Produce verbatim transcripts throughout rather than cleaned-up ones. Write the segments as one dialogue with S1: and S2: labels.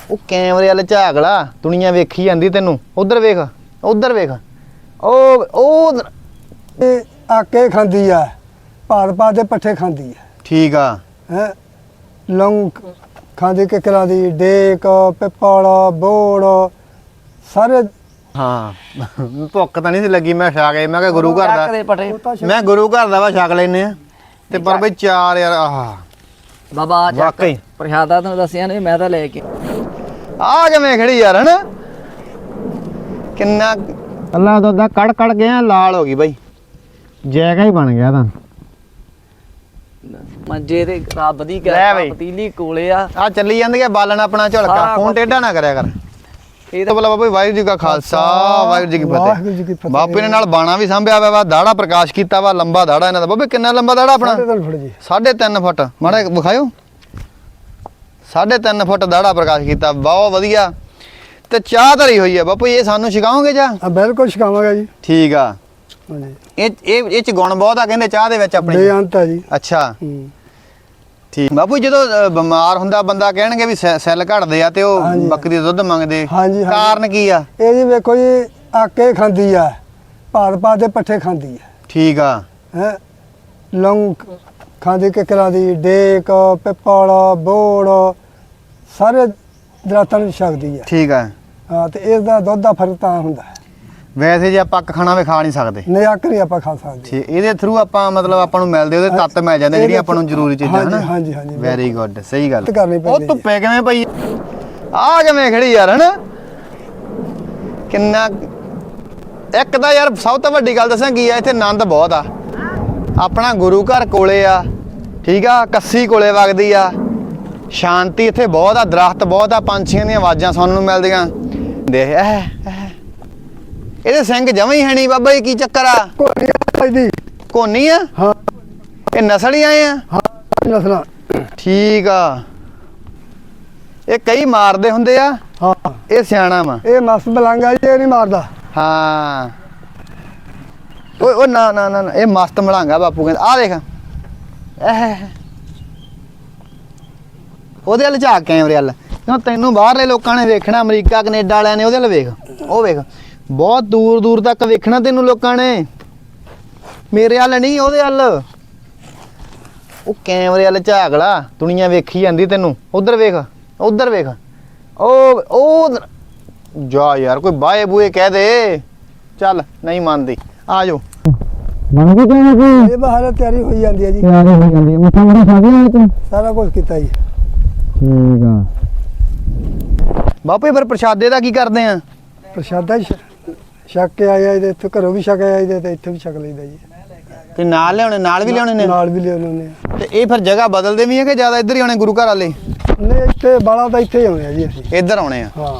S1: ਉਹ ਕੈਮਰੇ ਵਾਲੇ ਝਾਕ ਲਾ, ਦੁਨੀਆ ਵੇਖੀ ਜਾਂਦੀ ਤੈਨੂੰ। ਉਧਰ ਵੇਖ, ਉਧਰ ਵੇਖ, ਉਹ ਉਹ
S2: ਇਹ ਆਕੇ ਖਾਂਦੀ ਆ, ਭਾਰ ਪਾ ਦੇ ਪੱਠੇ ਖਾਂਦੀ ਆ।
S1: ਠੀਕ ਆ।
S2: ਹੈ ਲੌਂਗ ਖਾਂਦੀ, ਕਿਕਰਾਂ ਦੀ, ਡੇਕ, ਪਿੱਪਲ, ਬੋੜ ਸਾਰੇ।
S1: ਹਾਂ ਭੁੱਖ ਤਾਂ ਨਹੀਂ ਸੀ ਲੱਗੀ, ਮੈਂ ਛਕ ਗਏ। ਮੈਂ ਕਿਹਾ ਗੁਰੂ ਘਰ ਦਾ, ਮੈਂ ਗੁਰੂ ਘਰ ਦਾ ਵਾ ਛਕ ਲੈਨੇ ਆ ਤੇ ਪਰ ਬਈ ਚਾਰ ਯਾਰ ਆਹ
S3: ਬਾਬਾ
S1: ਵਾਕਈ
S3: ਪ੍ਰਸ਼ਾਦਾ ਤੁਹਾਨੂੰ ਦੱਸਿਆ ਨੇ, ਮੈਂ ਤਾਂ ਲੈ ਕੇ
S1: ਆ ਕਿਵੇਂ ਖੜੀ ਯਾਰ ਹਨਾ। ਕਿੰਨਾ ਅੱਲਾ ਦਾ ਕੜ ਕੜ ਗਿਆ, ਲਾਲ ਹੋ ਗਈ ਬਈ, ਜੈਗਾ ਹੀ ਬਣ ਗਿਆ ਤਾਂ।
S3: ਮੰਜੇ ਤੇ ਰੱਬ ਦੀ
S1: ਲੈ
S3: ਗੱਲ,
S1: ਬਈ।
S3: ਪਤੀਲੀ ਕੋਲੇ ਆ
S1: ਆ ਚੱਲੀ ਜਾਂਦੀ ਹੈ ਬਾਲਣ ਆਪਣਾ ਝੁਲਕਾ।
S3: ਸਾਰਾ
S1: ਫੋਨ
S3: ਕੁਛ।
S1: ਟੇਢਾ ਨਾ ਕਰਿਆ ਕਰ।
S3: ਇਹ
S1: ਤਾਂ ਬੋਲਾ ਬਾਬਾ ਵਾਹਿਗੁਰੂ ਜੀ ਕਾ ਖਾਲਸਾ ਵਾਹਿਗੁਰੂ ਜੀ ਕੀ
S2: ਵਾਹਿਗੁਰੂ ਜੀ ਕੀ
S1: ਫਤਿਹ।
S2: ਫਤਿਹ।
S1: ਬਾਪੂ ਨੇ ਨਾਲ ਬਾਣਾ ਵੀ ਸੰਭਿਆ ਵਾ, ਦਾੜਾ ਪ੍ਰਕਾਸ਼ ਕੀਤਾ ਵਾ, ਲੰਬਾ ਦਾੜਾ ਇਹਨਾਂ ਦਾ। ਬਾਬੇ ਕਿੰਨਾ ਲੰਬਾ ਦਾੜਾ ਆਪਣਾ?
S2: ਸਾਢੇ ਤਿੰਨ ਫੁੱਟ ਜੀ।
S1: ਸਾਢੇ ਤਿੰਨ ਫੁੱਟ ਮਾੜਾ ਜਿਹਾ ਵਿਖਾਇਓ। ਸਾਢੇ ਤਿੰਨ ਫੁੱਟ ਦਾੜਾ ਪ੍ਰਕਾਸ਼ ਕੀਤਾ, ਬਹੁਤ ਵਧੀਆ। ਤੇ ਚਾਹ ਧਰੀ ਹੋਈ ਆ ਬਾਪੂ, ਇਹ ਸਾਨੂੰ ਛਕਾਓਗੇ ਜਾਂ?
S2: ਹਾਂ ਬਿਲਕੁਲ ਛਕਾਵਾਂਗਾ ਜੀ।
S1: ਠੀਕ ਆ।
S2: ਹਾਂਜੀ
S1: ਇਹ ਇਹ ਇਹ ਚ ਗੁਣ ਬਹੁਤ ਆ ਕਹਿੰਦੇ ਚਾਹ ਦੇ ਵਿੱਚ ਆਪਣੀ।
S2: ਬੇਅੰਤ ਆ ਜੀ।
S1: ਅੱਛਾ
S2: ਹੂੰ।
S1: ਠੀਕ ਬਾਪੂ, ਜਦੋਂ ਅ, ਬਿਮਾਰ ਹੁੰਦਾ ਬੰਦਾ ਕਹਿਣਗੇ ਵੀ ਸੈ- ਸੈੱਲ ਘਟਦੇ ਆ ਤੇ ਉਹ
S2: ਹਾਂਜੀ।
S1: ਬੱਕਰੀ ਦਾ ਦੁੱਧ ਮੰਗਦੇ,
S2: ਹਾਂਜੀ, ਹਾਂਜੀ।
S1: ਕਾਰਨ ਕੀ ਆ?
S2: ਇਹ ਜੀ ਵੇਖੋ ਜੀ, ਆਕੇ ਖਾਂਦੀ ਆ, ਭਾਰ ਪਾ ਦੇ ਪੱਠੇ ਖਾਂਦੀ ਆ।
S1: ਠੀਕ ਆ।
S2: ਹੈ ਲੌਂਗ ਖਾਂਦੀ, ਕਿਕਰਾਂ ਦੀ, ਡੇਕ, ਪਿੱਪਲ, ਬੋੜ ਸਾਰੇ ਦਰਖਤਾਂ ਨੂੰ ਛਕਦੀ ਆ।
S1: ਠੀਕ ਆ।
S2: ਹਾਂ ਤੇ ਇਸ ਦਾ ਦੁੱਧ ਦਾ ਫਰਕ ਤਾਂ ਹੁੰਦਾ ਹੈ।
S1: ਵੈਸੇ ਜੇ ਆਪਾਂ ਅੱਕ ਖਾਣਾ ਵੀ ਖਾ ਨਹੀਂ ਸਕਦੇ।
S2: ਨਹੀਂ ਅੱਕ ਨਹੀਂ ਆਪਾਂ ਖਾ ਸਕਦੇ।
S1: ਠੀਕ, ਇਹਦੇ ਥਰੂ ਆਪਾਂ ਮਤਲਬ ਆਪਾਂ ਨੂੰ ਮਿਲਦੇ ਉਹਦੇ ਤੱਤ ਮਿਲ ਜਾਂਦੇ ਜਿਹੜੀਆਂ ਆਪਾਂ ਨੂੰ ਜ਼ਰੂਰੀ ਚੀਜ਼ਾਂ
S2: ਹਾਂਜੀ,
S1: ਹਨਾ।
S2: ਹਾਂਜੀ, ਹਾਂਜੀ,
S1: ਵੈਰੀ ਗੁੱਡ, ਸਹੀ ਗੱਲ।
S2: ਮਿਹਨਤ ਕਰਨੀ
S1: ਉਹ
S2: ਪੈਂਦੀ
S1: ਧੁੱਪੇ ਕਿਵੇਂ ਪਈ ਆ, ਕਿਵੇਂ ਖੜੀ ਯਾਰ ਹਨਾ। ਕਿੰਨਾ ਇੱਕ ਤਾਂ ਯਾਰ ਸਭ ਤੋਂ ਵੱਡੀ ਗੱਲ ਦੱਸਾਂ ਕੀ ਆ, ਇੱਥੇ ਆਨੰਦ ਬਹੁਤ ਆ। ਆਪਣਾ ਗੁਰੂ ਘਰ ਕੋਲੇ ਆ, ਠੀਕ ਆ, ਕੱਸੀ ਕੋਲੇ ਵਗਦੀ ਆ, ਸ਼ਾਂਤੀ ਇੱਥੇ ਬਹੁਤ ਆ, ਦਰਖਤ ਬਹੁਤ ਆ, ਪੰਛੀਆਂ ਦੀਆਂ ਆਵਾਜ਼ਾਂ ਸੁਣਨ ਨੂੰ ਮਿਲਦੀਆਂ। ਦੇਖ ਇਹ ਇਹ ਇਹਦੇ ਸਿੰਘ ਜਮਾਂ ਹੀ ਹੈ ਨਹੀਂ ਬਾਬਾ ਜੀ, ਕੀ ਚੱਕਰ ਆ?
S2: ਕੋਈ ਦੀ
S1: ਕੋਨੀ ਆ?
S2: ਹਾਂ
S1: ਇਹ ਨਸਲ ਹੀ ਆਏ ਆ?
S2: ਹਾਂ ਨਸਲਾਂ।
S1: ਠੀਕ ਆ। ਇਹ ਕਈ ਮਾਰਦੇ ਹੁੰਦੇ ਆ,
S2: ਹਾਂ
S1: ਇਹ ਸਿਆਣਾ ਵਾ।
S2: ਇਹ ਮਸਤ ਮਲੰਗਾ ਜੀ, ਇਹ ਨਹੀਂ ਮਾਰਦਾ।
S1: ਹਾਂ ਓਏ ਓ ਨਾ ਨਾ ਨਾ ਨਾ, ਇਹ ਮਸਤ ਮਲਾਂਗਾ ਬਾਪੂ ਕਹਿੰਦਾ। ਆ ਦੇਖ ਇਹ ਉਹਦੇ ਵੱਲ ਝਾਕ, ਕੈਮਰੇ ਵੱਲ। ਕਿਉਂ ਤੈਨੂੰ ਬਾਹਰਲੇ ਲੋਕਾਂ ਨੇ ਵੇਖਣਾ, ਅਮਰੀਕਾ ਕੈਨੇਡਾ ਵਾਲਿਆਂ ਨੇ ਉਹਦੇ ਵੱਲ ਵੇਖ, ਉਹ ਵੇਖ, ਬਹੁਤ ਦੂਰ ਦੂਰ ਤੱਕ ਵੇਖਣਾ ਤੈਨੂੰ ਲੋਕਾਂ ਨੇ, ਮੇਰੇ ਵੱਲ ਨਹੀਂ ਉਹਦੇ ਵੱਲ। ਉਹ ਕੈਮਰੇ ਵੱਲ ਝਾਕ ਲਾ, ਦੁਨੀਆ ਵੇਖੀ ਜਾਂਦੀ ਤੈਨੂੰ। ਉਧਰ ਵੇਖ, ਉਧਰ ਵੇਖ, ਉਹ ਉਹ ਜਾ ਯਾਰ, ਕੋਈ ਬਾਏ ਬੂਏ ਕਹਿ ਦੇ। ਚੱਲ ਨਹੀਂ ਮੰਨਦੀ, ਆ ਜਾਓ।
S4: ਬਣ ਗਈ ਕਿਵੇਂ ਕੋਈ
S2: ਇਹ ਬਾਹਰ ਤਿਆਰੀ ਹੋਈ ਜਾਂਦੀ ਹੈ ਜੀ।
S4: ਤਿਆਰੀ ਹੋ ਜਾਂਦੀ ਹੈ, ਮੱਥਾ ਮੜਾ ਖਾ ਗਿਆ ਤੂੰ?
S2: ਸਾਰਾ ਕੁਝ ਕੀਤਾ ਜੀ।
S4: ਠੀਕ ਆ।
S1: ਬਾਪੂ ਫਿਰ ਪ੍ਰਸ਼ਾਦੇ ਦਾ ਕੀ ਕਰਦੇ ਆ?
S2: ਪ੍ਰਸ਼ਾਦਾ ਹੀ ਛ- ਛਕ ਕੇ ਆਇਆ ਇਹਦੇ, ਇੱਥੇ ਘਰੋਂ ਵੀ ਛਕ ਆਇਆ ਇਹਦੇ, ਤੇ ਇੱਥੇ ਵੀ ਛਕ ਲਈਦਾ ਜੀ।
S1: ਤੇ ਨਾਲ ਲਿਆਉਣੇ, ਨਾਲ ਵੀ ਲਿਆਉਣੇ ਨੇ?
S2: ਨਾਲ ਵੀ ਲਿਆਉਣੇ ਨੇ।
S1: ਤੇ ਇਹ ਫਿਰ ਜਗ੍ਹਾ ਬਦਲਦੇ ਵੀ ਆ ਕਿ ਜ਼ਿਆਦਾ ਇੱਧਰ ਹੀ ਆਉਣੇ ਗੁਰੂ ਘਰ ਵਾਲੇ?
S2: ਨਹੀਂ ਇੱਥੇ ਬਾਲਾ ਤਾਂ ਇੱਥੇ ਹੀ ਆਉਣੇ ਆ ਜੀ ਅਸੀਂ।
S1: ਇੱਧਰ ਆਉਣੇ ਆ?
S2: ਹਾਂ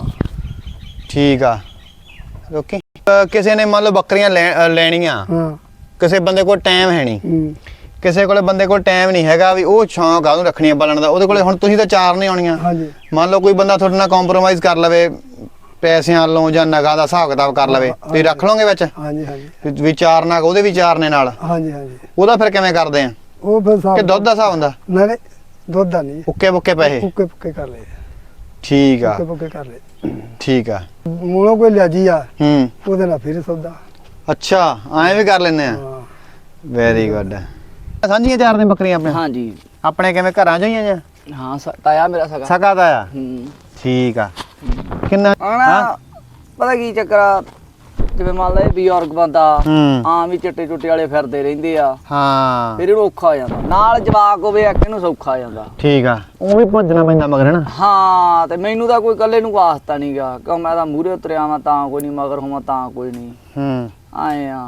S1: ਠੀਕ ਆ। ਓਕੇ। ਕਿਸੇ ਨੇ ਮੰਨ ਲਓ ਬੱਕਰੀਆਂ ਲੈ- ਅ, ਲੈਣੀਆਂ,
S2: ਹਾਂ
S1: ਕਿਸੇ ਬੰਦੇ ਕੋਲ ਟਾਈਮ ਹੈ ਨਹੀਂ,
S2: ਹੂੰ।
S1: ਕਿਸੇ ਕੋਲੇ ਬੰਦੇ ਕੋਲ ਟਾਈਮ ਨਹੀਂ ਹੈਗਾ ਵੀ ਉਹ ਸ਼ੌਂਕ ਆ ਉਹਨੂੰ ਰੱਖਣੀਆਂ ਪਾਲਣ ਦਾ, ਉਹਦੇ ਕੋਲੇ ਹੁਣ ਤੁਸੀਂ ਤਾਂ ਚਾਰ ਨਹੀਂ ਆਉਣੀਆਂ।
S2: ਹਾਂਜੀ
S1: ਮੰਨ ਲਓ ਕੋਈ ਬੰਦਾ ਤੁਹਾਡੇ ਨਾਲ ਕੰਪਰੋਮਾਈਜ਼ ਕਰ ਲਵੇ ਪੈਸਿਆਂ ਵੱਲੋਂ ਜਾਂ ਨਗਾਂ ਦਾ ਹਿਸਾਬ ਕਿਤਾਬ ਕਰ ਲਵੇ, ਤੁਸੀਂ ਰੱਖ ਲਓਗੇ ਵਿੱਚ?
S2: ਹਾਂਜੀ ਹਾਂਜੀ
S1: ਵੀ- ਵੀ ਚਾਰ ਨਗ ਉਹਦੇ ਵੀ ਚਾਰ ਨੇ ਨਾਲ,
S2: ਹਾਂਜੀ ਹਾਂਜੀ।
S1: ਉਹਦਾ ਫਿਰ ਕਿਵੇਂ ਕਰਦੇ ਆ?
S2: ਉਹ ਫਿਰ ਸਾਬ
S1: ਕਿ ਦੁੱਧ ਦਾ ਹਿਸਾਬ ਹੁੰਦਾ?
S2: ਨਹੀਂ ਨਹੀਂ ਦੁੱਧ ਦਾ ਨਹੀਂ,
S1: ਉੱਕੇ ਬੁੱਕੇ ਪੈਸੇ?
S2: ਪੁੱਕੇ ਪੁੱਕੇ ਕਰ ਲਏ,
S1: ਠੀਕ ਆ,
S2: ਪੁੱਕੇ ਪੁੱਕੇ ਕਰ ਲਏ।
S1: ਠੀਕ ਆ।
S2: ਮੂਲੋਂ ਕੋਈ ਲਿਆਜੀ ਆ,
S1: ਹੂੰ,
S2: ਉਹਦੇ ਨਾਲ ਫਿਰ ਸੌਦਾ।
S1: ਅੱਛਾ ਐਂ ਵੀ ਕਰ ਲੈਂਦੇ ਆ?
S2: ਹਾਂ
S1: ਵੈਰੀ ਗੁੱਡ। ਸਾਂਝੀਆਂ ਚਾਰ ਨੇ ਬੱਕਰੀਆਂ ਆਪਣੇ?
S3: ਹਾਂਜੀ
S1: ਆਪਣੇ ਕਿਵੇਂ ਘਰਾਂ ਚੋਂ ਹੀ ਆ ਜਾਂ
S3: ਹਾਂ ਸ- ਤਾਇਆ ਮੇਰਾ ਸਗਾ।
S1: ਸਕਾ ਦਾ ਆ?
S3: ਹੂੰ
S1: ਠੀਕ ਆ। ਕਿੰਨਾ?
S3: ਆਣਾ ਪਤਾ ਕੀ ਚੱਕਰ ਆ, ਜਿਵੇਂ ਮੰਨ ਲਾ ਇਹ ਬਜ਼ੁਰਗ ਬੰਦਾ
S1: ਹੂੰ,
S3: ਆਮ ਹੀ ਚਿੱਟੇ ਚੁੱਟੇ ਵਾਲੇ ਫਿਰਦੇ ਰਹਿੰਦੇ ਆ,
S1: ਹਾਂ
S3: ਫਿਰ ਇਹਨੂੰ ਔਖਾ ਹੋ ਜਾਂਦਾ। ਨਾਲ ਜਵਾਕ ਹੋਵੇ ਇੱਕ ਇਹਨੂੰ ਸੌਖਾ ਹੋ ਜਾਂਦਾ।
S1: ਠੀਕ ਆ। ਉਹ ਵੀ ਭੱਜਣਾ ਪੈਂਦਾ ਮਗਰ ਨਾ?
S3: ਹਾਂ ਤੇ ਮੈਨੂੰ ਤਾਂ ਕੋਈ ਇਕੱਲੇ ਨੂੰ ਵਾਸਤਾ ਨਹੀਂ ਗਾ, ਕਿਉਂ ਮੈਂ ਤਾਂ ਮੂਹਰੇ ਉਤਰਿਆ ਵਾਂ ਤਾਂ ਕੋਈ ਨਹੀਂ, ਮਗਰ ਹੋਵਾਂ ਤਾਂ ਕੋਈ ਨਹੀਂ,
S1: ਹੂੰ,
S3: ਆਏ ਆ।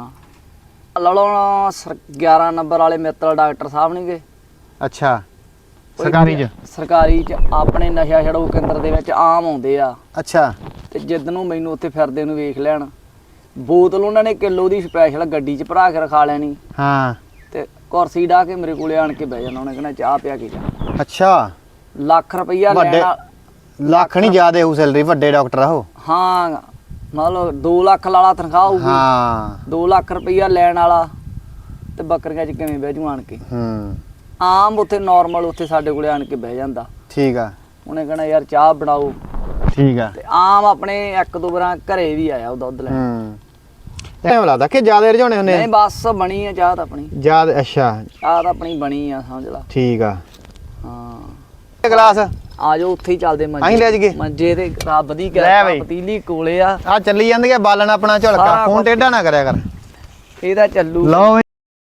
S3: ਲੜਾਉਣਾ ਗਿਆਰਾਂ ਨੰਬਰ ਵਾਲੇ ਮਿੱਤਲ ਡਾਕਟਰ ਸਾਹਿਬ ਨੇਗੇ
S1: ਅੱਛਾ। ਸਰਕਾਰੀ ਚ?
S3: ਸਰਕਾਰੀ ਚ ਆਪਣੇ ਨਸ਼ਾ ਛਡਾਊ ਕੇਂਦਰ ਦੇ ਵਿੱਚ ਆਮ ਆਉਂਦੇ ਆ।
S1: ਅੱਛਾ।
S3: ਤੇ ਜਿੱਦ ਨੂੰ ਮੈਨੂੰ ਉੱਥੇ ਫਿਰਦੇ ਨੂੰ ਵੇਖ ਲੈਣ, ਬੋਤਲ ਉਹਨਾਂ ਨੇ ਕਿਲੋ ਦੀ ਸਪੈਸ਼ਲ ਗੱਡੀ 'ਚ ਭਰਾ ਕੇ ਰਖਾ ਲੈਣੀ,
S1: ਹਾਂ।
S3: ਤੇ ਕੁਰਸੀ ਢਾ ਕੇ ਮੇਰੇ ਕੋਲੇ ਆਣ ਕੇ ਬਹਿ ਜਾਣਾ, ਉਹਨੇ ਕਹਿਣਾ ਚਾਹ ਪਿਆ ਕੇ ਜਾ।
S1: ਅੱਛਾ।
S3: ਲੱਖ ਰੁਪਈਆ
S1: ਵੱਡੇ
S3: ਲੈਣਾ।
S1: ਲੱਖ ਨਹੀਂ ਜ਼ਿਆਦੇ ਹੋਊ ਸੈਲਰੀ, ਵੱਡੇ ਡਾਕਟਰ ਆ ਉਹ?
S3: ਹਾਂ ਮਤਲਬ ਦੋ ਲੱਖ ਵਾਲਾ ਤਨਖਾਹ ਹੋਊਗੀ।
S1: ਹਾਂ।
S3: ਦੋ ਲੱਖ ਰੁਪਈਆ ਲੈਣ ਵਾਲਾ ਤੇ ਬੱਕਰੀਆਂ 'ਚ ਕਿਵੇਂ ਬਹਿ ਜੂ ਆਣ ਕੇ?
S1: ਹੂੰ।
S3: ਆਮ ਉੱਥੇ ਨਾਰਮਲ ਉੱਥੇ ਸਾਡੇ ਕੋਲੇ ਆਣ ਕੇ ਬਹਿ ਜਾਂਦਾ।
S1: ਠੀਕ ਆ।
S3: ਉਹਨੇ ਕਹਿਣਾ ਯਾਰ ਚਾਹ ਬਣਾਓ,
S1: ਠੀਕ ਆ
S3: ਤੇ ਆਮ ਆਪਣੇ ਇੱਕ ਦੋ ਵਾਰਾਂ ਘਰੇ ਵੀ ਆਇਆ ਉਹ ਦੁੱਧ ਲੈਣ
S1: ਹੂੰ ਐਵੇਂ ਲੱਗਦਾ ਕਿ ਜ਼ਿਆਦਾ ਰਜਾਉਣੇ ਹੁੰਦੇ
S3: ਨਹੀਂ ਬਸ ਬਣੀ ਆ ਚਾਹ ਤਾਂ ਆਪਣੀ
S1: ਜ਼ਿਆਦਾ ਅੱਛਾ
S3: ਚਾਹ ਤਾਂ ਆਪਣੀ ਬਣੀ ਆ ਸਮਝ ਲਾ
S1: ਠੀਕ ਆ
S3: ਹਾਂ
S1: ਗਲਾਸ
S3: ਆ ਜਾਓ ਉੱਥੇ ਹੀ ਚੱਲਦੇ
S1: ਅਸੀਂ ਲੈ ਜਾਈਏ।
S3: ਮੰਜੇ ਤੇ ਰੱਬ ਦੀ
S1: ਲੈ
S3: ਕਿਰਪਾ
S1: ਬਈ।
S3: ਪਤੀਲੀ ਕੋਲੇ ਆ
S1: ਆ ਚੱਲੀ ਜਾਂਦੀ ਆ ਬਾਲਣ ਆਪਣਾ ਝੁਲਕਾ
S3: ਸਾਰਾ
S1: ਫੋਨ
S3: ਕੁਛ।
S1: ਟੇਢਾ ਨਾ ਕਰਿਆ ਕਰ
S3: ਇਹਦਾ ਚੱਲੂ
S1: ਲਓ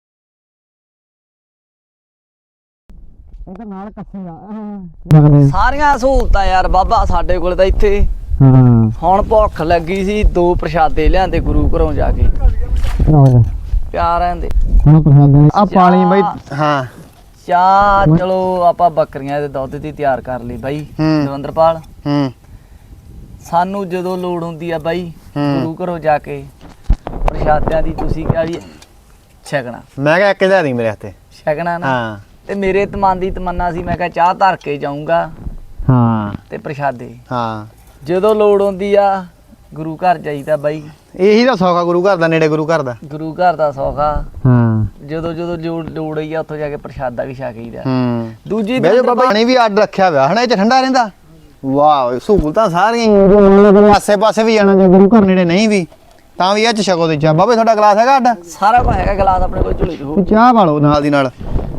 S4: ਇਹ ਤਾਂ ਨਾਲ ਕੱਸੇ ਆ
S3: ਸਾਰੀਆਂ ਸਹੂਲਤਾਂ ਯਾਰ ਬਾਬਾ ਸਾਡੇ ਕੋਲ ਤਾਂ ਇੱਥੇ
S4: ਹਾਂ
S3: ਹੁਣ ਭੁੱਖ ਲੱਗੀ ਸੀ ਦੋ ਪ੍ਰਸ਼ਾਦੇ ਲਿਆਂਦੇ ਗੁਰੂ ਘਰੋਂ ਜਾ ਕੇ ਪਿਆਰ ਰਹਿੰਦੇ
S4: ਹੁਣ ਪ੍ਰਸ਼ਾਦ
S1: ਆ ਪਾਣੀ ਬਈ ਹਾਂ
S3: ਚਾਹ ਚਲੋ ਆਪਾਂ ਬੱਕਰੀਆਂ ਦੇ ਦੁੱਧ ਦੀ ਤਿਆਰ ਕਰ ਲਈ ਬਾਈ
S1: ਹੂੰ।
S3: ਦਵਿੰਦਰਪਾਲ
S1: ਹੂੰ
S3: ਸਾਨੂੰ ਜਦੋਂ ਲੋੜ ਹੁੰਦੀ ਆ ਬਾਈ
S1: ਹੂੰ।
S3: ਗੁਰੂ ਘਰੋਂ ਜਾ ਕੇ ਪ੍ਰਸ਼ਾਦਿਆਂ ਦੀ ਤੁਸੀਂ ਕਿਹਾ ਵੀ ਛਕਣਾ
S1: ਮੈਂ ਕਿਹਾ ਇੱਕ ਹਜ਼ਾਰ ਦੀ ਮੇਰੇ ਹੱਥੇ
S3: ਛਕਣਾ ਨਾ
S1: ਹਾਂ
S3: ਤੇ ਮੇਰੇ ਤਮਨ ਦੀ ਤਮੰਨਾ ਸੀ ਮੈਂ ਕਿਹਾ ਚਾਹ ਧਰ ਕੇ ਜਾਊਂਗਾ
S4: ਹਾਂ
S3: ਤੇ ਪ੍ਰਸ਼ਾਦੇ
S1: ਹਾਂ
S3: ਜਦੋਂ ਲੋੜ ਹੁੰਦੀ ਆ ਗੁਰੂ ਘਰ ਜਾਈਦਾ ਬਾਈ
S1: ਇਹੀ ਤਾਂ ਸੌਖਾ ਗੁਰੂ ਘਰ ਦਾ ਨੇੜੇ ਗੁਰੂ ਘਰ ਦਾ
S3: ਗੁਰੂ ਘਰ ਦਾ ਸੌਖਾ
S4: ਹਾਂ
S3: ਜਦੋਂ ਜਦੋਂ ਲੋੜ ਲੋੜ ਹੋਈ ਆ ਉੱਥੋਂ ਜਾ ਕੇ ਪ੍ਰਸ਼ਾਦਾ ਵੀ ਛਕ ਲਈਦਾ
S1: ਹੂੰ
S3: ਦੂਜੀ
S1: ਬੇ
S3: ਦਿਨ
S1: ਬਾਬਾ ਪਾਣੀ ਵੀ ਅੱਡ ਰੱਖਿਆ ਹੋਇਆ ਹਨਾ ਇਹ ਚ ਠੰਡਾ ਰਹਿੰਦਾ ਵਾਹ ਸਹੂਲਤਾਂ ਸਾਰੀਆਂ ਹੀ ਆਸੇ ਪਾਸੇ ਵੀ ਜਾਣਾ ਜੇ ਗੁਰੂ ਘਰ ਨੇੜੇ ਨਹੀਂ ਵੀ ਤਾਂ ਵੀ ਇਹ ਚ ਛਕੋ ਤੇ ਚਾਹ ਬਾਬੇ ਤੁਹਾਡਾ ਗਲਾਸ ਹੈਗਾ ਅੱਡ
S3: ਸਾਰਾ ਕੁਝ ਹੈਗਾ ਗਲਾਸ ਆਪਣੇ ਕੋਲ ਝੋਲੇ 'ਚ ਹੋ
S1: ਚਾਹ ਪਾ ਲਓ ਨਾਲ ਦੀ ਨਾਲ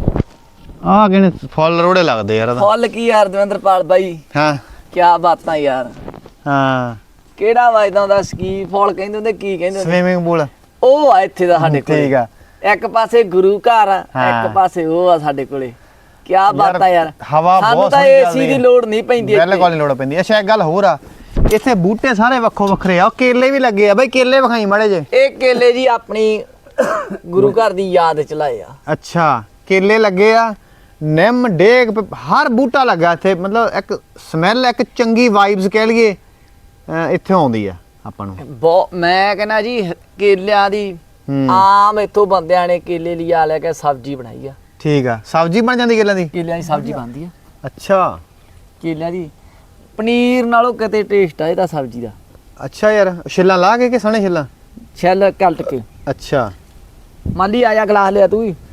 S1: ਆਹ ਕਿਹਨੇ ਫੁੱਲ ਰੋੜੇ ਲੱਗਦੇ ਯਾਰ ਇਹਦਾ
S3: ਫੁੱਲ ਕੀ ਯਾਰ ਦਵਿੰਦਰਪਾਲ ਬਾਈ
S1: ਹਾਂ
S3: ਕੀ ਬਾਤਾਂ ਯਾਰ
S1: ਹਾਂ
S3: ਕਿਹੜਾ ਵਜਦਾ ਹੁੰਦਾ ਸਕੀ ਫੁੱਲ ਕਹਿੰਦੇ ਹੁੰਦੇ ਕੀ ਕਹਿੰਦੇ ਹੁੰਦੇ
S1: ਸਵੀਮਿੰਗ ਪੂਲ
S3: ਉਹ ਆ ਇੱਥੇ ਦਾ ਸਾਡੇ ਕੋਲ
S1: ਠੀਕ ਆ
S3: ਇੱਕ ਪਾਸੇ ਗੁਰੂ ਘਰ ਆ,
S1: ਹਾਂ।
S3: ਇੱਕ ਪਾਸੇ ਉਹ ਆ ਸਾਡੇ ਕੋਲੇ ਕੀ ਬਾਤਾਂ ਯਾਰ
S1: ਹਵਾ
S3: ਸਾਨੂੰ
S1: ਬਹੁਤ
S3: ਤਾਂ
S1: ਸੋਹਣੀ
S3: ਏਸੀ
S1: ਚੱਲਦੀ
S3: ਦੀ
S1: ਹੈ।
S3: ਲੋੜ ਨਹੀਂ ਪੈਂਦੀ ਇੱਥੇ।
S1: ਬਿਲਕੁਲ ਨਹੀਂ ਲੋੜ ਪੈਂਦੀ ਅੱਛਾ ਇੱਕ ਗੱਲ ਹੋਰ ਆ ਇੱਥੇ ਬੂਟੇ ਸਾਰੇ ਵੱਖੋ ਵੱਖਰੇ ਆ ਉਹ ਕੇਲੇ ਵੀ ਲੱਗੇ ਆ ਬਈ ਕੇਲੇ ਵਿਖਾਈ ਮਾੜੇ ਜੇ
S3: ਇਹ ਕੇਲੇ ਜੀ ਆਪਣੀ ਗੁਰੂ ਘਰ ਦੀ ਯਾਦ ਚ ਲਾਏ ਆ
S1: ਅੱਛਾ ਕੇਲੇ ਲੱਗੇ ਆ ਨਿੰਮ ਡੇਕ ਪ- ਹਰ ਬੂਟਾ ਲੱਗਾ ਇੱਥੇ ਮਤਲਬ ਇੱਕ ਸਮੈਲ ਇੱਕ ਚੰਗੀ ਵਾਈਬਸ ਕਹਿ ਲਈਏ ਅਹ ਇੱਥੇ ਆਉਂਦੀ ਆ ਆਪਾਂ ਨੂੰ
S3: ਬਹੁਤ ਮੈਂ ਕਹਿੰਦਾ ਜੀ ਹ- ਕੇਲਿਆਂ ਦੀ
S1: ਹੂੰ।
S3: ਆਮ ਇੱਥੋਂ ਬੰਦਿਆਂ ਨੇ ਕੇਲੇ ਲਿਆ ਲੈ ਕੇ ਸਬਜ਼ੀ ਬਣਾਈ ਆ
S1: ਠੀਕ ਆ ਸਬਜ਼ੀ ਬਣ ਜਾਂਦੀ ਕੇਲਿਆਂ ਦੀ
S3: ਕੇਲਿਆਂ ਦੀ ਸਬਜ਼ੀ ਬਣਦੀ ਆ
S1: ਅੱਛਾ
S3: ਕੇਲਿਆਂ ਦੀ ਪਨੀਰ ਨਾਲੋਂ ਕਿਤੇ ਟੇਸਟ ਆ ਇਹਦਾ ਸਬਜ਼ੀ ਦਾ
S1: ਅੱਛਾ ਯਾਰ ਛਿੱਲਾਂ ਲਾ ਕੇ ਕਿ ਸਣੇ ਛਿੱਲਾਂ
S3: ਛੱਲ ਕਲਟ ਕੇ
S1: ਅੱਛਾ
S3: ਮਾਲੀ ਆਇਆ ਗਲਾਸ ਲਿਆ ਤੂੰ ਵੀ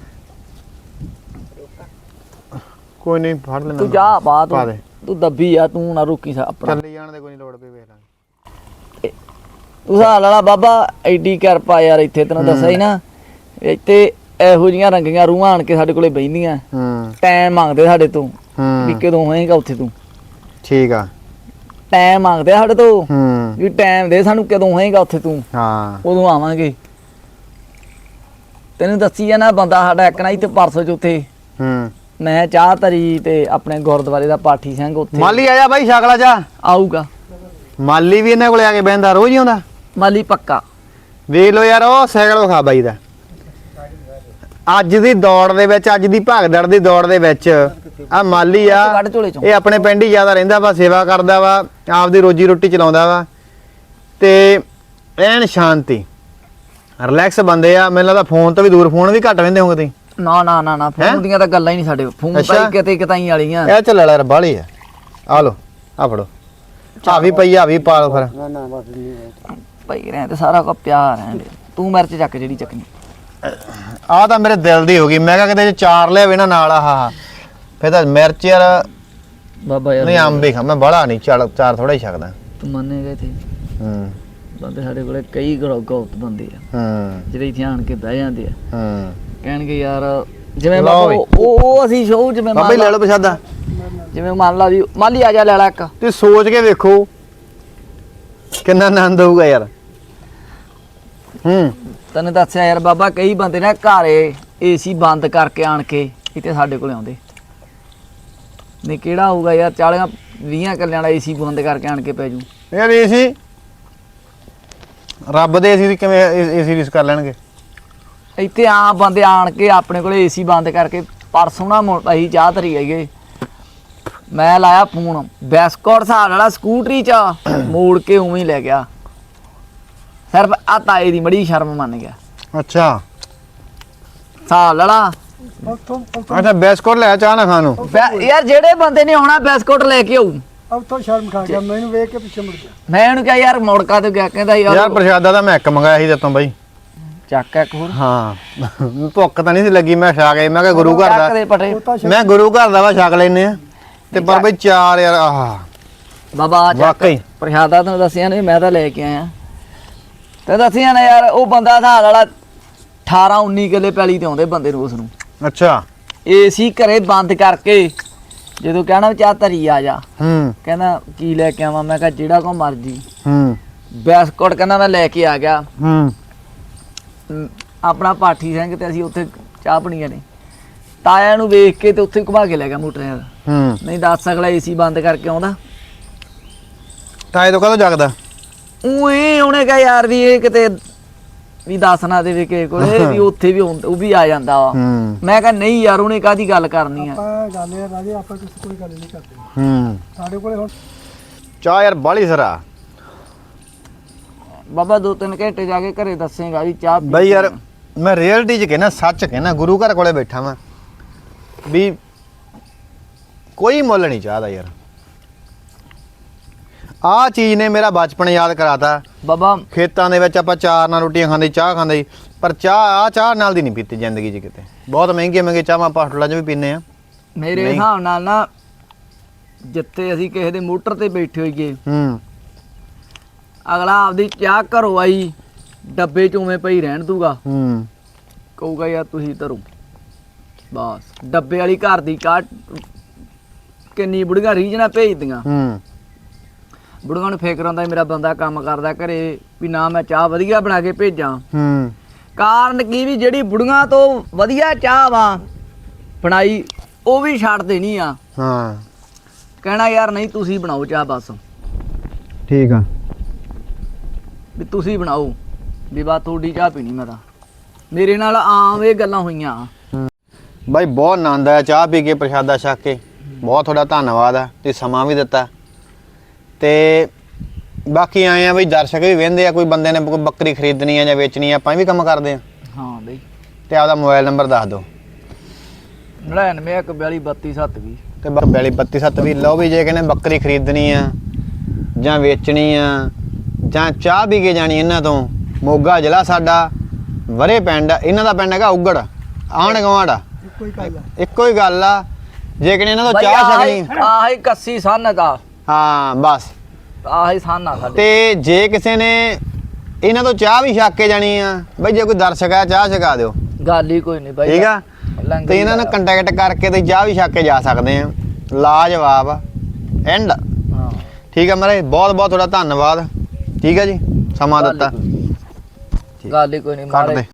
S1: ਕੋਈ ਨਹੀਂ ਫੜ ਲੈਣਾ
S3: ਤੂੰ ਜਾ ਬਾਤ
S1: ਪਾ ਦੇ
S3: ਤੂੰ ਦੱਬੀ ਆ ਤੂੰ ਨਾ ਰੁਕੀ ਸਾ ਆਪਣਾ
S1: ਚੱਲੀ ਜਾਣ ਦੇ ਕੋਈ ਨਹੀਂ ਲੋੜ ਪਈ ਵੇਖ ਲਾਂਗੇ
S3: ਤੂੰ ਹਾਲ ਵਾਲਾ ਬਾਬਾ ਐਡੀ ਕਿਰਪਾ ਯਾਰ ਇੱਥੇ ਤੈਨੂੰ ਦੱਸਿਆ ਹੀ ਨਾ ਇੱਥੇ ਇਹੋ ਜੀਆਂ ਰੰਗੀਆਂ ਰੂਹਾਂ ਆਣ ਕੇ ਸਾਡੇ ਕੋਲੇ ਬੈਂਦੀਆਂ
S1: ਹੂੰ
S3: ਟਾਈਮ ਮੰਗਦੇ ਸਾਡੇ ਤੋਂ ਵੀ
S1: ਹੂੰ
S3: ਕਦੋਂ ਹੋਏਗਾ ਉੱਥੇ ਤੂੰ
S1: ਠੀਕ ਆ
S3: ਟਾਈਮ ਮੰਗਦੇ ਆ ਸਾਡੇ ਤੋਂ
S1: ਹੂੰ
S3: ਵੀ ਟਾਈਮ ਦੇ ਸਾਨੂੰ ਕਦੋਂ ਹੋਏਗਾ ਉੱਥੇ ਤੂੰ
S1: ਹਾਂ
S3: ਉਦੋਂ ਆਵਾਂਗੇ ਤੈਨੂੰ ਦੱਸੀ ਆ ਨਾ ਬੰਦਾ ਸਾਡਾ ਇੱਕ ਨਾ ਇੱਥੇ ਪਰਸੋਂ ਚ ਉੱਥੇ
S1: ਹੂੰ
S3: ਮੈਂ ਚਾਹ ਧਰੀ ਤੇ ਆਪਣੇ ਗੁਰਦੁਆਰੇ ਦਾ ਪਾਠੀ ਸਿੰਘ ਉੱਥੇ
S1: ਮਾਲੀ ਆ ਜਾ ਬਾਈ ਛਕਲਾ ਜਾ
S3: ਆਊਗਾ
S1: ਮਾਲੀ ਵੀ ਇਹਨਾਂ ਕੋਲੇ ਆ ਕੇ ਬਹਿੰਦਾ ਰੋਜ਼ ਹੀ ਆਉਂਦਾ
S3: ਮਾਲੀ ਪੱਕਾ
S1: ਵੇਖ ਲੋ ਯਾਰ ਉਹ ਸਾਈਕਲ ਵਿਖਾ ਬਾਈ ਦਾ ਅੱਜ ਦੀ ਦੌੜ ਦੇ ਵਿੱਚ ਅੱਜ ਦੀ ਭਗਦੜ ਦੀ ਦੌੜ ਦੇ ਵਿੱਚ ਆ ਮਾਲੀ ਆ
S3: ਕੱਢ ਝੋਲੇ ਚੋਂ
S1: ਇਹ ਆਪਣੇ ਪਿੰਡ ਹੀ ਜ਼ਿਆਦਾ ਰਹਿੰਦਾ ਵਾ ਸੇਵਾ ਕਰਦਾ ਵਾ ਆਪਦੀ ਰੋਜੀ ਰੋਟੀ ਚਲਾਉਂਦਾ ਵਾ ਤੇ ਐਨ ਸ਼ਾਂਤੀ ਰਿਲੈਕਸ ਬੰਦੇ ਆ ਮੈਨੂੰ ਲੱਗਦਾ ਫੋਨ ਤੋਂ ਵੀ ਦੂਰ ਫੋਨ ਵੀ ਘੱਟ ਰਹਿੰਦੇ ਹੋਗੇ ਤੁਸੀਂ
S3: ਨਾ ਨਾ ਨਾ ਨਾ ਫੋਨ ਦੀਆਂ ਤਾਂ ਗੱਲਾਂ ਹੀ ਨਹੀਂ ਸਾਡੇ ਫੋਨ
S1: ਅੱਛਾ।
S3: ਤਾਂ ਹੀ ਕਿਤੇ ਕਿਤਾਈ ਵਾਲੀਆਂ
S1: ਇਹ ਚੱਲ ਲੈ ਬਾਲੀ ਆ ਆ ਲੋ ਆ ਫੜੋ ਆ ਵੀ ਪਈ ਆ ਵੀ ਪਾ ਲਓ ਫਿਰ
S2: ਨਾ ਨਾ ਬਸ ਨਹੀਂ
S3: ਭਾਈ ਰਹਿ ਤੇ ਸਾਰਾ ਕੋ ਪਿਆਰ ਹੈ ਤੂੰ ਮਿਰਚ ਚੱਕ ਜਿਹੜੀ ਚੱਕਣੀ
S1: ਆ ਤਾਂ ਮੇਰੇ ਦਿਲ ਦੀ ਹੋ ਗਈ ਮੈਂ ਕਿਹਾ ਕਿਤੇ ਜੇ ਚਾਰ ਲਿਆਵੇ ਨਾ ਨਾਲ ਆਹ ਫਿਰ ਤਾਂ ਮਿਰਚ ਯਾਰ
S3: ਬਾਬਾ ਯਾਰ
S1: ਨਹੀਂ ਅੰਬ ਹੀ ਖਾ ਮੈਂ ਬੜਾ ਨਹੀਂ ਚਾਰ ਚਾਰ ਥੋੜਾ ਹੀ ਛਕਦਾ
S3: ਤੂੰ ਮੰਨੇਗਾ ਇੱਥੇ
S1: ਹੂੰ
S3: ਬੰਦੇ ਸਾਡੇ ਕੋਲੇ ਕਈ ਗਲਤ ਬੰਦੇ ਆ
S1: ਹੂੰ
S3: ਜਿਹੜੇ ਇੱਥੇ ਆਣ ਕੇ ਬਹਿ ਜਾਂਦੇ ਆ
S1: ਹੂੰ
S3: ਕਹਿਣਗੇ ਯਾਰ ਜਿਵੇਂ
S1: ਲਓ
S3: ਬਾਬਾ
S1: ਬਈ।
S3: ਉਹ ਉਹ ਅਸੀਂ ਸ਼ੋਅ ਜਿਵੇਂ
S1: ਬਾਬਾ
S3: ਮੰਨ
S1: ਹੀ ਲੈ
S3: ਲਾ
S1: ਲਓ ਪ੍ਰਸ਼ਾਦਾ
S3: ਜਿਵੇਂ ਮੰਨ ਲਾ ਵੀ ਮਾਲੀ ਆ ਜਾ ਲੈ ਲੈ ਇੱਕ
S1: ਤੇ ਸੋਚ ਕੇ ਵੇਖੋ ਕਿੰਨਾ ਆਨੰਦ ਹੋਊਗਾ ਯਾਰ ਹੂੰ
S3: ਤੈਨੂੰ ਦੱਸਿਆ ਯਾਰ ਬਾਬਾ ਕਈ ਬੰਦੇ ਨੇ ਘਰੇ ਏਸੀ ਬੰਦ ਕਰਕੇ ਆਣ ਕੇ ਇੱਥੇ ਸਾਡੇ ਕੋਲੇ ਆਉਂਦੇ ਨਹੀਂ ਕਿਹੜਾ ਹੋਊਗਾ ਯਾਰ ਚਾਲੀਆਂ ਵੀਹਾਂ ਕੱਲਿਆਂ ਵਾਲਾ ਏਸੀ ਬੰਦ ਕਰਕੇ ਆਣ ਕੇ ਪੈ ਜੂ
S1: ਯਾਰ ਇਹ ਸੀ ਰੱਬ ਦੇ ਏਸੀ ਦੀ ਕਿਵੇਂ ਏਸੀ ਰਿਸ ਕਰ ਲੈਣਗੇ
S3: ਇੱਥੇ ਆ ਬੰਦੇ ਆਣ ਕੇ ਆਪਣੇ ਕੋਲੇ ਏਸੀ ਬੰਦ ਕਰਕੇ ਪਰਸੋਂ ਨਾ ਮੁੜ ਅਸੀਂ ਚਾਹ ਧਰੀ ਹੈਗੇ ਮੈਂ ਲਾਇਆ ਫੋਨ ਬੈਸਕੋਟ ਹਿਸਾਬ ਵਾਲਾ ਸਕੂਟਰੀ ਚ ਮੋੜ ਕੇ ਉਵੇਂ ਹੀ ਲੈ ਗਿਆ ਸਿਰਫ ਆ ਤਾਏ ਦੀ ਮੜੀ ਸ਼ਰਮ ਮੰਨ ਗਿਆ
S1: ਅੱਛਾ
S3: ਹਿਸਾਬ ਵਾਲਾ
S2: ਉੱਥੋਂ
S1: ਅੱਛਾ ਬਿਸਕੁਟ ਲੈ ਚਾਹ ਨਾ ਖਾਣ ਨੂੰ
S3: ਬੈ- ਯਾਰ ਜਿਹੜੇ ਬੰਦੇ ਨੇ ਆਉਣਾ ਬੈਸਕੋਟ ਲੈ ਕੇ ਆਊ
S2: ਉੱਥੋਂ ਸ਼ਰਮ ਖਾ ਗਿਆ ਮੈਨੂੰ ਵੇਖ ਕੇ ਪਿੱਛੇ ਮੁੜ ਗਿਆ
S3: ਮੈਂ ਉਹਨੂੰ ਕਿਹਾ ਯਾਰ ਮੋੜਕਾ ਤੇ ਗਿਆ ਕਹਿੰਦਾ
S1: ਯਾਰ
S3: ਯਾਰ
S1: ਪ੍ਰਸ਼ਾਦਾ ਤਾਂ ਮੈਂ ਇੱਕ ਮੰਗਾਇਆ ਸੀ ਤੇਤੋਂ ਬਾਈ
S3: ਚੱਕ ਇੱਕ ਹੋਰ
S1: ਹਾਂ ਭੁੱਖ ਤਾਂ ਨਹੀਂ ਸੀ ਲੱਗੀ ਮੈਂ ਛਾ ਕੇ ਮੈਂ ਕਿਹਾ ਗੁਰੂ ਘਰ
S3: ਚੱਕ
S1: ਦਾ
S3: ਦੇ ਪਟੇ
S2: ਉਹ ਤਾਂ
S1: ਮੈਂ ਗੁਰੂ ਘਰ ਦਾ ਵਾ ਛਕ ਲੈਨੇ ਆ ਤੇ ਪਰ ਬਈ ਚਾਰ ਯਾਰ ਆਹ
S3: ਬਾਬਾ ਆ ਚੱਕ
S1: ਵਾਕਈ।
S3: ਪ੍ਰਸ਼ਾਦਾ ਤੈਨੂੰ ਦੱਸਿਆ ਨੇ ਮੈਂ ਤਾਂ ਲੈ ਕੇ ਆਇਆ ਤੇ ਦੱਸਿਆ ਨਾ ਯਾਰ ਉਹ ਬੰਦਾ ਹਿਸਾਬ ਵਾਲਾ ਅਠਾਰਾਂ ਉੱਨੀ ਕਿੱਲੇ ਪੈਲੀ ਤੇ ਆਉਂਦੇ ਬੰਦੇ ਨੂੰ ਉਸ ਨੂੰ
S1: ਅੱਛਾ
S3: ਏਸੀ ਘਰੇ ਬੰਦ ਕਰਕੇ ਜਦੋਂ ਕਹਿਣਾ ਚਾਹ ਧਰੀ ਆ ਜਾ
S1: ਹੂੰ
S3: ਕਹਿੰਦਾ ਕੀ ਲੈ ਕੇ ਆਵਾਂ ਮੈਂ ਕਿਹਾ ਜਿਹੜਾ ਕੋ ਮਰਜੀ
S1: ਹੂੰ
S3: ਬਿਸਕੁਟ ਕਹਿੰਦਾ ਮੈਂ ਲੈ ਕੇ ਆ ਗਿਆ
S1: ਹੂੰ
S3: ਅਮ, ਆਪਣਾ ਪਾਠੀ ਸਿੰਘ ਤੇ ਅਸੀਂ ਉੱਥੇ ਚਾਹ ਪਣੀਆਂ ਨੇ ਤਾਇਆ ਨੂੰ ਵੇਖ ਕੇ ਤੇ ਉੱਥੇ ਘੁਮਾ ਕੇ ਲੈ ਗਿਆ ਮੋਟਰਸਾਈਕਲ
S1: ਹੂੰ
S3: ਨਹੀਂ ਦੱਸ ਅਗਲਾ ਏਸੀ ਬੰਦ ਕਰਕੇ ਆਉਂਦਾ
S1: ਤਾਏ ਤੋਂ ਕਦੋਂ ਜਗਦਾ
S3: ਉਹੇ ਉਹਨੇ ਕਿਹਾ ਯਾਰ ਵੀ ਇਹ ਕਿਤੇ ਵੀ ਦੱਸ ਨਾ ਦੇਵੇ ਕਿ ਕੋਲੇ ਵੀ ਉੱਥੇ ਵੀ ਹੁੰਦਾ ਉਹ ਵੀ ਆ ਜਾਂਦਾ ਵਾ
S1: ਹੂੰ
S3: ਮੈਂ ਕਿਹਾ ਨਹੀਂ ਯਾਰ ਉਹਨੇ ਕਾਹਦੀ ਗੱਲ ਕਰਨੀ ਆ
S2: ਆਪਾਂ ਗੱਲ ਇਹ ਰਾਜੇ ਆਪਾਂ ਕਿਸੇ ਕੋਈ ਗੱਲ ਨਹੀਂ ਕਰਦੇ
S1: ਹੂੰ
S2: ਸਾਡੇ ਕੋਲੇ ਹੁਣ
S1: ਚਾਹ ਯਾਰ ਬਾਲੀ ਸਰਾ
S3: ਬਾਬਾ ਦੋ ਤਿੰਨ ਘੰਟੇ ਜਾ ਕੇ ਘਰੇ ਦੱਸੇਗਾ ਵੀ ਚਾਹ ਪੀ
S1: ਬਈ ਯਾਰ
S3: ਕੇ।
S1: ਮੈਂ ਰਿਐਲਿਟੀ ਚ ਕਹਿਣਾ ਸੱਚ ਕਹਿਣਾ ਗੁਰੂ ਘਰ ਕੋਲੇ ਬੈਠਾ ਵਾਂ ਵੀ ਕੋਈ ਮੁੱਲ ਨਹੀਂ ਚਾਹਦਾ ਯਾਰ ਆਹ ਚੀਜ਼ ਨੇ ਮੇਰਾ ਬਚਪਨ ਯਾਦ ਕਰਾਤਾ
S3: ਬਾਬਾ
S1: ਖੇਤਾਂ ਦੇ ਵਿੱਚ ਆਪਾਂ ਚਾਰ ਨਾਲ ਰੋਟੀਆਂ ਖਾਂਦੇ ਚਾਹ ਖਾਂਦੇ ਪਰ ਚਾਹ ਆ ਚਾਹ ਨਾਲ ਦੀ ਨਹੀਂ ਪੀਤੀ ਜ਼ਿੰਦਗੀ 'ਚ ਕਿਤੇ ਬਹੁਤ ਮਹਿੰਗੀਆਂ ਮਹਿੰਗੀਆਂ ਚਾਹਾਂ ਆਪਾਂ ਹੋਟਲਾਂ 'ਚ ਵੀ ਪੀਂਦੇ ਆ
S3: ਮੇਰੇ
S1: ਨਹੀਂ।
S3: ਹਿਸਾਬ ਨਾਲ ਨਾ ਜਿੱਥੇ ਅਸੀਂ ਕਿਸੇ ਦੇ ਮੋਟਰ ਤੇ ਬੈਠੇ ਹੋਈਏ
S1: ਹੂੰ
S3: ਅਗਲਾ ਆਪਦੀ ਚਾਹ ਘਰੋਂ ਆਈ ਡੱਬੇ ਚ ਉਵੇਂ ਪਈ ਰਹਿਣ ਦੂਗਾ
S1: ਹੂੰ
S3: ਕਹੂਗਾ ਯਾਰ ਤੁਸੀਂ ਧਰੋ ਬਸ ਡੱਬੇ ਵਾਲੀ ਘਰ ਦੀ ਚਾਹ ਕਿੰਨੀ ਬੁੜੀਆਂ ਰੀਝ ਨਾਲ ਭੇਜਦੀਆਂ
S1: ਹੂੰ
S3: ਬੁੜੀਆਂ ਨੂੰ ਫਿਕਰ ਹੁੰਦਾ ਮੇਰਾ ਬੰਦਾ ਕੰਮ ਕਰਦਾ ਘਰੇ ਵੀ ਨਾ ਮੈਂ ਚਾਹ ਵਧੀਆ ਬਣਾ ਕੇ ਭੇਜਾਂ
S1: ਹੂੰ
S3: ਕਾਰਨ ਕੀ ਵੀ ਜਿਹੜੀ ਬੁੜੀਆਂ ਤੋਂ ਵਧੀਆ ਚਾਹ ਵਾ ਬਣਾਈ ਉਹ ਵੀ ਛੱਡ ਦੇਣੀ ਆ
S1: ਹਾਂ
S3: ਕਹਿਣਾ ਯਾਰ ਨਹੀਂ ਤੁਸੀਂ ਬਣਾਓ ਚਾਹ ਬਸ
S4: ਠੀਕ ਆ
S3: ਵੀ ਤੁਸੀਂ ਬਣਾਓ ਵੀ ਬਾ ਤੁਹਾਡੀ ਚਾਹ ਪੀਣੀ ਮੈਂ ਤਾਂ ਮੇਰੇ ਨਾਲ ਆਮ ਇਹ ਗੱਲਾਂ ਹੋਈਆਂ
S1: ਬਾਈ ਬਹੁਤ ਆਨੰਦ ਆਇਆ ਚਾਹ ਪੀ ਕੇ ਪ੍ਰਸ਼ਾਦਾ ਛਕ ਕੇ ਬਹੁਤ ਤੁਹਾਡਾ ਧੰਨਵਾਦ ਆ ਤੇ ਸਮਾਂ ਵੀ ਦਿੱਤਾ ਤੇ ਬਾਕੀ ਆਏ ਆ ਬਈ ਦਰਸ਼ਕ ਵੀ ਵਹਿੰਦੇ ਆ ਕੋਈ ਬੰਦੇ ਨੇ ਕੋਈ ਬੱਕਰੀ ਖਰੀਦਣੀ ਆ ਜਾਂ ਵੇਚਣੀ ਆ ਆਪਾਂ ਵੀ ਕੰਮ ਕਰਦੇ ਆ
S3: ਹਾਂ ਬਈ
S1: ਤੇ ਆਪਦਾ ਮੋਬਾਈਲ ਨੰਬਰ ਦੱਸ ਦਿਓ
S3: ਨੜਿਨਵੇਂ ਇੱਕ ਬਿਆਲੀ ਬੱਤੀ ਸੱਤ ਵੀਹ
S1: ਤੇ ਬਿਆਲੀ ਬੱਤੀ ਸੱਤ ਵੀ ਲਓ ਵੀ ਜੇ ਕਹਿੰਦੇ ਬੱਕਰੀ ਖਰੀਦਣੀ ਆ ਜਾਂ ਵੇਚਣੀ ਆ ਜਾਂ ਚਾਹ ਪੀ ਕੇ ਜਾਣੀ ਇਹਨਾਂ ਤੋਂ ਮੋਗਾ ਜ਼ਿਲ੍ਹਾ ਸਾਡਾ ਵਰੇ ਪਿੰਡ ਆ, ਇਹਨਾਂ ਦਾ ਪਿੰਡ ਹੈਗਾ ਉਗੜ ਆਂਢ ਗੁਆਂਢ ਆ
S2: ਇੱਕੋ ਹੀ ਗੱਲ ਆ
S1: ਇੱਕੋ ਹੀ ਗੱਲ ਆ ਜੇ ਕਹਿੰਦੇ ਇਹਨਾਂ ਤੋਂ
S3: ਬਈ
S1: ਚਾਹ
S3: ਆਹੀ
S1: ਛਕਣੀ
S3: ਆਹੀ ਕੱਸੀ ਸੰਨ ਦਾ
S1: ਹਾਂ ਬਸ
S3: ਆਹੀ ਸੰਨ ਆ ਸਾਡੇ
S1: ਤੇ ਜੇ ਕਿਸੇ ਨੇ ਇਹਨਾਂ ਤੋਂ ਚਾਹ ਵੀ ਛਕ ਕੇ ਜਾਣੀ ਆ ਬਈ ਜੇ ਕੋਈ ਦਰਸ਼ਕ ਆ ਚਾਹ ਛਕਾ ਦਿਓ
S3: ਗੱਲ ਹੀ ਕੋਈ ਨਹੀਂ ਬਾਈ
S1: ਠੀਕ ਆ
S3: ਲੰਗਰ
S1: ਤੇ ਇਹਨਾਂ ਨੂੰ ਕੰਟੈਕਟ ਕਰਕੇ ਤੇ ਚਾਹ ਵੀ ਛਕ ਕੇ ਜਾ ਸਕਦੇ ਆ ਲਾਜਵਾਬ ਐਂਡ
S3: ਹਾਂ
S1: ਠੀਕ ਆ ਮਹਾਰਾਜ ਬਹੁਤ ਬਹੁਤ ਤੁਹਾਡਾ ਧੰਨਵਾਦ ਠੀਕ ਆ ਜੀ ਸਮਾਂ
S3: ਗੱਲ ਹੀ
S1: ਦਿੱਤਾ
S3: ਕੋਈ- ਗੱਲ ਹੀ ਕੋਈ ਨਹੀਂ
S1: ਕੱਟ ਦੇ